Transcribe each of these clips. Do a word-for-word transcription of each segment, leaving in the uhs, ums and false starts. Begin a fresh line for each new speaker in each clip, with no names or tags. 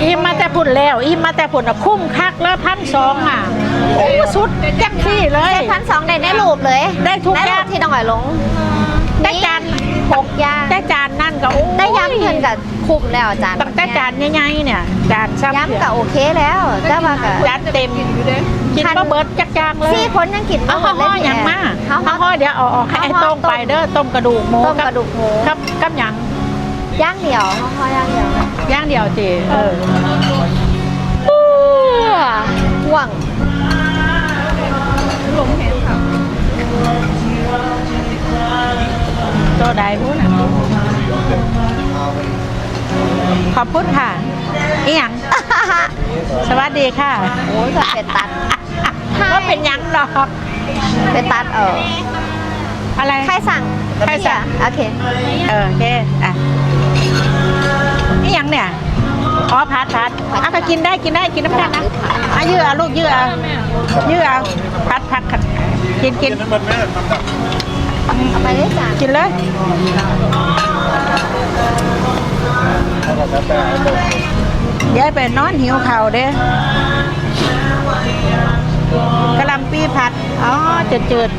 อิ่มมาแต่พุ่นแล้วอิ่มมาแต่พุ่นอ่ะคุ้มคักแล้วพันสองอ่ะโอ้สุดจังที่เลย
ได้พันสองได้ในรูปเลย
ได้ทุก
ใน
อ
รู
ย่าง
ปที่น้องหอยลง
ได้จาน
หกอย่าง
ได้จานนั่นก็โอ้ย
ได้ย้ำเงินกับคุ้มแล้วอาจารย์
ตั้งแต่จานใหญ่ๆเนี่ยจานซ้ำ
ย้ำกับโอเคแล้วแต่ว่ากับ
จานเต็มกินมาเบิดจักจางเลย
สี่คนยังกิน
เอา
บ่หม
ห่อ
ดเลย
อย่างมา
เขา
เอาห่อเดี๋ยวเอาออกให้ต้มไปเด้อต้มกระดูกหมู
ต้มกระดูกหมู
กับกับหยัง
ย่างเดียวห่อย่างเดียว
ย่างเดียวจีเออ
ห่วง
ตัวใดพูดอ่ะขอบคุณค่ะอีหยัง สวัสดีค่ะ
โอ้ยก็เป็นตัด
ก็เป็นหยังดอก
เป็นตัดเออ
อะไร
ใครสั่ง
ใครสั่ง
โอเค
เออโอเคอ่ะอีหยังเนี่ยอ๋อพัดพัดอ่ะก็กินได้กินได้กินน้ำกันนะอ่ะยื้อเอาลูกยื้อเอายื้อเอาพัดพัดพัดกินกิน
เอาไปเลยจ้ะ
กินเลยเดี๋ยวไปนอนหิวเข่าเด้อกะหล่ำปีผัดอ๋อจืดจืด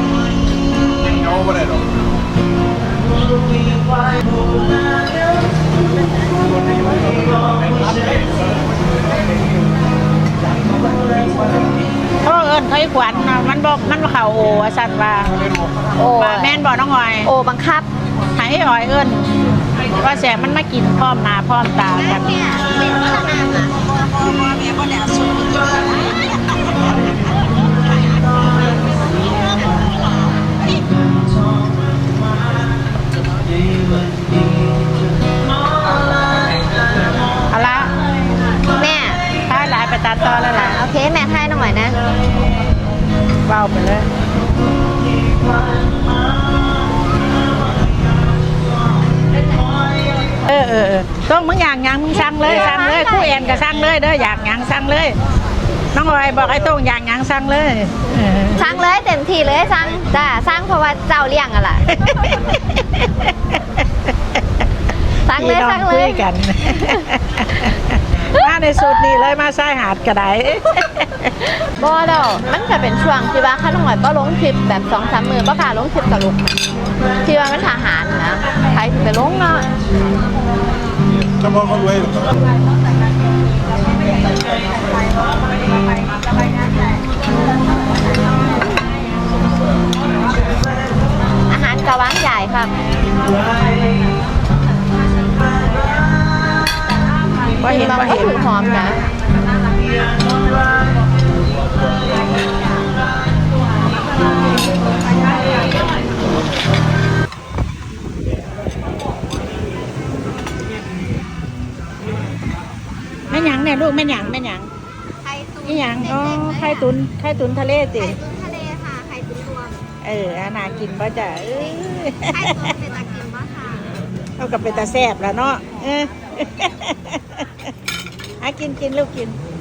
โอ้เอิญเขาอีกวันน่ะมันบอกมันเข่าโอ้สันว่า
โอ้
ว่าแม่นบอกน้องออย
โอ้บังคับ
หายอ่อยเอิญว่าแสงมันมากินพร้อมหน้าพร้อมตากันเอาละ
แม่
ถ้าหลายไปตัดต่อแล้วล่ะ
โอเคแม่ทายหน่อยนะ
เบาไปเลยเออเออเออต้องมึงอยากหยังมึงสั่งเลยสั่งเลยคู่แอนก็สั่งเลยเด้ออยากหยังสั่งเลยน้องออยบอกไอ้ต้องอยากหยังสั่งเลยเออ
สั่งเลยเต็มที่เลยสั่งจ้าสั่งเพราะว่าเจ้าเลี้ยงอะล่ะสั่งเลย
พี่น้อ
สั่งเล
คุ
ย
ยกัน มาในสูตรนี้เลยมาใส่หาดกระได
บ่ดอกมันจะเป็นช่วงที่ว่าข้าน้องหน่อยก็ลงคลิปแบบสองสามมือป้าค่ะลงคลิปกับลูกที่ว่ามันทหารนะใครถึงไปลงเนาะ
เฉพาะคนรวย
อาหารกะว้างใหญ่ครับ
ว่าเห็น
เรา
ว่า
ก็
เห็น
ถือหอมนะ
แม่หยังเนี่ยลูกแม่หยังแม่หยัง
ไข่ตุ๋น
นี่หยังอ๋อไข่ตุนไข่ตุนทะเลติ
ไข่ตุ๋นทะเลค่ะไข่ตุ๋นรวม
เอออานากินป่ะจ้ะเออ
ไข่ตุ๋นเป็นตะกินปะค่ะ
เอากับเป็นตาแซ่บแล้วเนาะเออ หากินกินลูกกิน
ไ